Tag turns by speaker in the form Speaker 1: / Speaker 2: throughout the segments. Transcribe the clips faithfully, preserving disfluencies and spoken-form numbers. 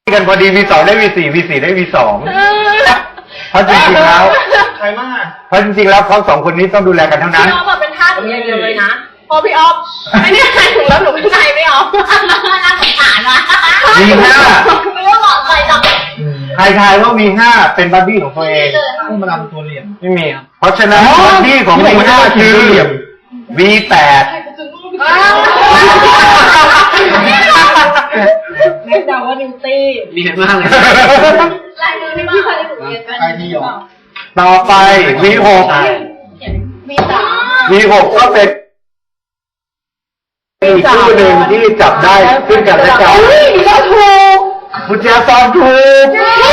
Speaker 1: กันพอดี วี สอง ได้ วี สี่ วี สี่ ได้ วี สอง เพราะจริงๆแล้ว
Speaker 2: ใครมาก
Speaker 1: เพราะจริงๆแล้วเขาสองคนนี้ต้องดูแลกันเท่านั้น
Speaker 3: พี่ออฟมาเป็นท่าสอย่างเดียวเลยนะพอพี่ออฟไม่ได้ใครถึงแล้วหนูเป็นใครไม่ออฟน่าสงสารว่ะ
Speaker 1: มีห้า
Speaker 3: ไม่ว่าบอกใครจัง
Speaker 1: ใครทายว่ามีห้าเป็นบัดดี้ของตัวเอง
Speaker 2: ต้องมาทำตัวเหลี่ยม
Speaker 1: ไม่มีเพราะฉะนั้นบัดดี้ของมีห้าคือ วี แปด
Speaker 3: ไม่เดาว่านิวตี้
Speaker 2: เรียนมากเลย
Speaker 3: ลายมือไม่พี่เคยได้ถูกเรียนกัน
Speaker 2: ใครที่หยอก
Speaker 1: ต่อไป วี หก
Speaker 3: วีสาม
Speaker 1: วี หก ก็เป็นอีกคู่หนึ่งที่จับได้ซึ่งกันและกัน
Speaker 3: ก็ถูก
Speaker 1: พุทธาสอนถูก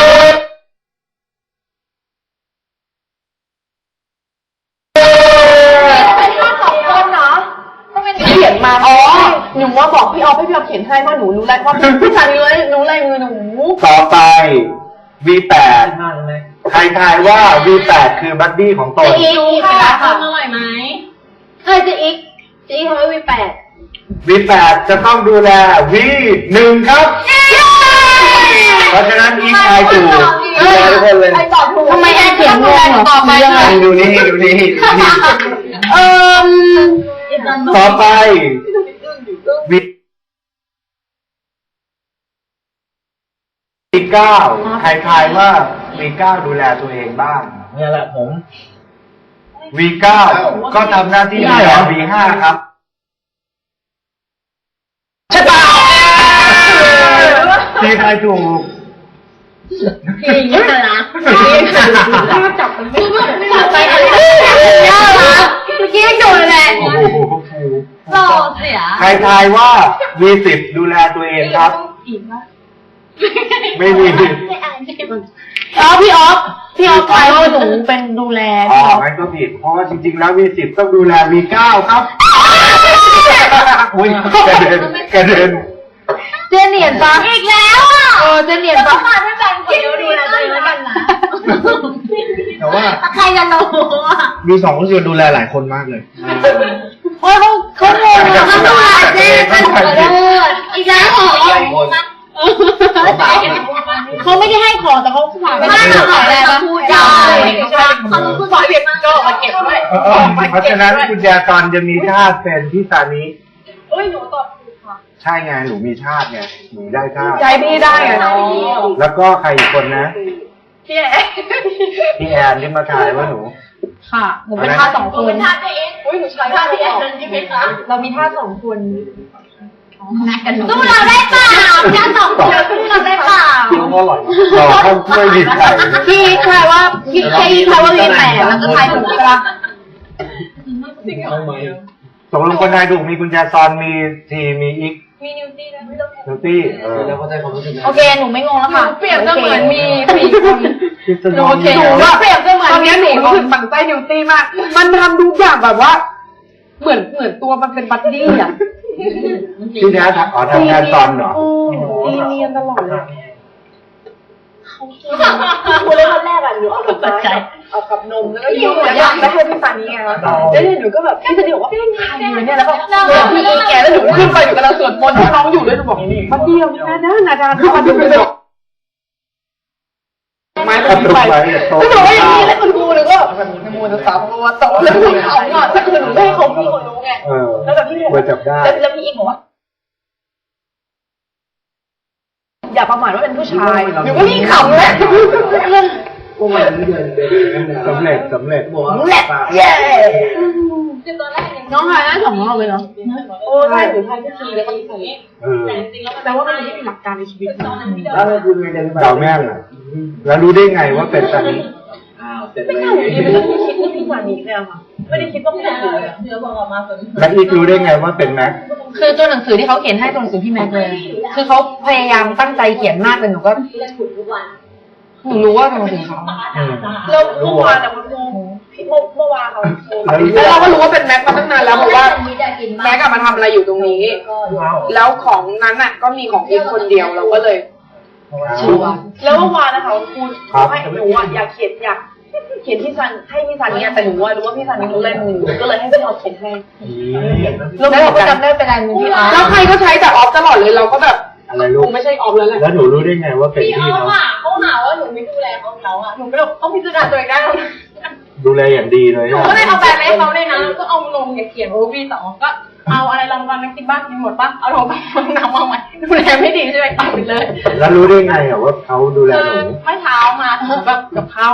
Speaker 3: เป็นท่าสองคนเนาะต้องเป็นเขียนมาอ๋อหนูว่าบอกพี่ออฟให้พี่ออฟเขียนให้เพราะหนูรู้แล้วว่าพี่ชายรู้รู้ลายมือหนู
Speaker 1: ต่อไป วี แปด ใครทายว่า วี แปด คือบัดดี้ของตน
Speaker 3: จะอีกค่ะทำอร่อยไหมใครจะอีกจะอีกทำไมวีแปด
Speaker 1: วี แปด จะต้องดูแล วี หนึ่ง ครับเพราะฉะนั้นอีกทายถูกทุกคนเลย
Speaker 3: ทำไมแอนเขียนงงต่อไป
Speaker 1: ดูนี่ดูนี่
Speaker 3: เอ่อ
Speaker 1: ต่อไป วี เก้า ใครทายว่า วี เก้า ดูแลตัวเองบ้าง
Speaker 2: นี่แหละผม
Speaker 1: วี เก้า ก็ทำหน้าที่แทน วี ห้า ครับใช่ป่ะที่ทายถูก
Speaker 3: พี่ยิ่งรักพี่จับมันไม่จับไปอะไรน่ารักเมื่อกี้ยังโดนเลยหล่อเสีย
Speaker 1: ใครทายว่า วี สิบ ดูแลตัวเองครับไม่มี
Speaker 3: อ๋อพี่ออฟพี่ออฟทายว่าหนูเป็นดูแล
Speaker 1: อ๋องั้นก็ผิดเพราะว่าจริงๆแล้ว วี สิบ ต้องดูแล วี เก้า ครับอุ้ยกระเด็นกระเด็น
Speaker 3: เจเนียนปะอีกแล้วอ่ะเออเจเนียนปะมาด้วยกันคนเดียวดูแลตัวเองแล้วกันนะ
Speaker 2: แต่ว่า
Speaker 3: ใครจะรู้อ่ะ
Speaker 2: มีสองคนดูแลหลายคนมากเลย
Speaker 3: โอ้เขาเขาโง่เขาดูแลเจ๊เป็นคนเลิศอีกแล้วเหรอเขาไม่ได้ให้ของแต่เขาฝากไม่ได้ขายอะไรมาพูดได้เขาพูดฝากเรียกโจ้มาเก็บด้วย
Speaker 1: เพราะฉะนั้นคุณยาตอนจะมีธาตุเป็นพี่ซานิ
Speaker 3: เอ้ยหนูตอบถูกค่ะ
Speaker 1: ใช่ไงหนูมีธาตุไงหนูได้ธาตุ
Speaker 3: ใจพี่ได้อะ
Speaker 1: แล้วก็ใครอีกคนนะ
Speaker 3: พี่แอน
Speaker 1: พี่แอนที่มาถ่ายว่าหนู
Speaker 3: ค่ะหนูเป็นธาตุสองคนเป็นธาตุตัวเองอุ้ยหนูใช้ธาตุพี่แอนใช่ไหมคะเรามีธาตุสองคนสู้เราได้เปล่าแค่สองคนสู้เราได้เปล่า
Speaker 1: อร่อยต่อข้าวกล้วยดิบไข่
Speaker 3: พี่ใครว่าพี่ใครใครว่ามีแปดแล้วก็ทายถูกใช่ปะ
Speaker 1: ตกลงคนไทยถูกมีกุญแจซอนมีทีมีอีก
Speaker 3: มีนิวตี้นะ
Speaker 1: นิวตี้เออ
Speaker 2: แล้วก็ได้ความรู้สึก
Speaker 3: โอเคหนูไม่งงแล้วค่ะเปรียบเสมือนมีสี่คนโอเคหนูว่าเปรียบเสมือนตอนนี้หนูรู้สึกฝังใจนิวตี้มากมันทำทุกอย่างแบบว่าเหมือนเหมือนตัวมันเป็นบัดดี้อ่ะ
Speaker 1: ที่แท้อ๋อทำงานตอนเหรอ
Speaker 3: ตีเนียนตลอดเลยเขาคุณเล่นวันแรกอ่ะหนูเอากับไม้เอากับนมแล้วก็ยิ้มแล้วก็ไม่ให้พี่ฟานี่ไงคะแล้วหนูก็แบบพี่จะบอกว่าพี่ทายอยู่เนี่ยแล้วก็พี่อีแกแล้วหนูขึ้นไปอยู่กับเราสวดมนต์น้องอยู่ด้วยหนูบอกบัดดี้เราหน้าด้านหน้าด้านเขามาดูไปแบบไม้ตกไปแล้วหนูก็อย่างนี้แล้วคุณครูเลยก็นโมตัสสะภะคะวะโตแล้วหนูเขาอ่ะถ้าคือหนูไม่ให้เขาพี่คนรู้ไงแล้วแบบพี่บอกว่าแล้วพี่อีกบอกว่าอย่าประมาทว่าเป็นผู้ชายหนูก็ยิ่งขำเลย
Speaker 1: สำเร็จสำเร็จ
Speaker 3: สำเร็จเย้น้องทายได้สองรอบเลยเนาะโอ้ใช่หนูทายที่สี่แล้วก็ที่สี่แต่ว่ามันไม่มีหลักการในชีวิต
Speaker 1: เราแม่งอ่ะแล้วรู้ได้ไงว่าเป็นซานิ
Speaker 3: ไม่ใช่ไม่ได้คิดว่าพี่ซานิเลยค่ะไม่ได้คิดว่าพี่ซานิเลยเดี๋ยวบอกออกมาเป็น
Speaker 1: แล้วอีกรู้ได้ไงว่าเป็นแม็ก
Speaker 3: คือตัวหนังสือที่เขาเขียนให้ตัวหนังสือพี่แม็กเลยคือเขาพยายามตั้งใจเขียนมากเลยหนูก็หนูรู้ว่าเป็นหนังสือเขาแล้วเมื่อวานอะมันงงพี่เมื่อวานเขาแล้วเราก็รู้ว่าเป็นแม็กมาตั้งนานแล้วเพราะว่าแม็กมาทำอะไรอยู่ตรงนี้แล้วของนั้นอะก็มีของอีกคนเดียวเราก็เลยชัวร์แล้วเมื่อวานนะคะคุณให้หนูอะอยากเขียนอยากเขียนพี่ซันให้พี่ซันเนี่ยแต่หนูว่ารู้ว่าพี่ซันนี่รู้เล่นมือก็เลยให้พี่ออฟเขียนให้แล้วเราก็จำได้เป็นลายมือพี่ออฟแล้วใครก็ใช้แต่ออฟตลอดเลยเราก็แบบ
Speaker 1: อะไรลู
Speaker 3: ค
Speaker 1: ก
Speaker 3: งไม่ใช่ออมแล้วแหละ
Speaker 1: แล้วหนูรู้ได้ไงว่าเป็น
Speaker 4: พี่
Speaker 1: พี่
Speaker 4: เขา
Speaker 1: เขา
Speaker 4: อ่ะเขาหาว่าหนูไม่ดูแลเขาเขาอ่ะหนูก็เลยต้องพิจารณาตัวเองได้แล้วนะ
Speaker 1: ดูแลอย่างดีเลย
Speaker 4: หนู
Speaker 1: อะ
Speaker 4: ก็เลยเอาแบรนด์ไปให้เขาเลยนะแล้วก็เอาลงเขียนว่าพี่สองก็เอาอะไรรางวัลนักกินบ้านกินหมดปะเอาลงไปน้ำมาใหม่ดูแลไม่ดีใช่ไหมตัดไปเลย
Speaker 1: แล้วรู้ได้ไงอะว่าเขาดูแลหนู
Speaker 4: เมื่อเช้ามาถึงแบบกับข้าว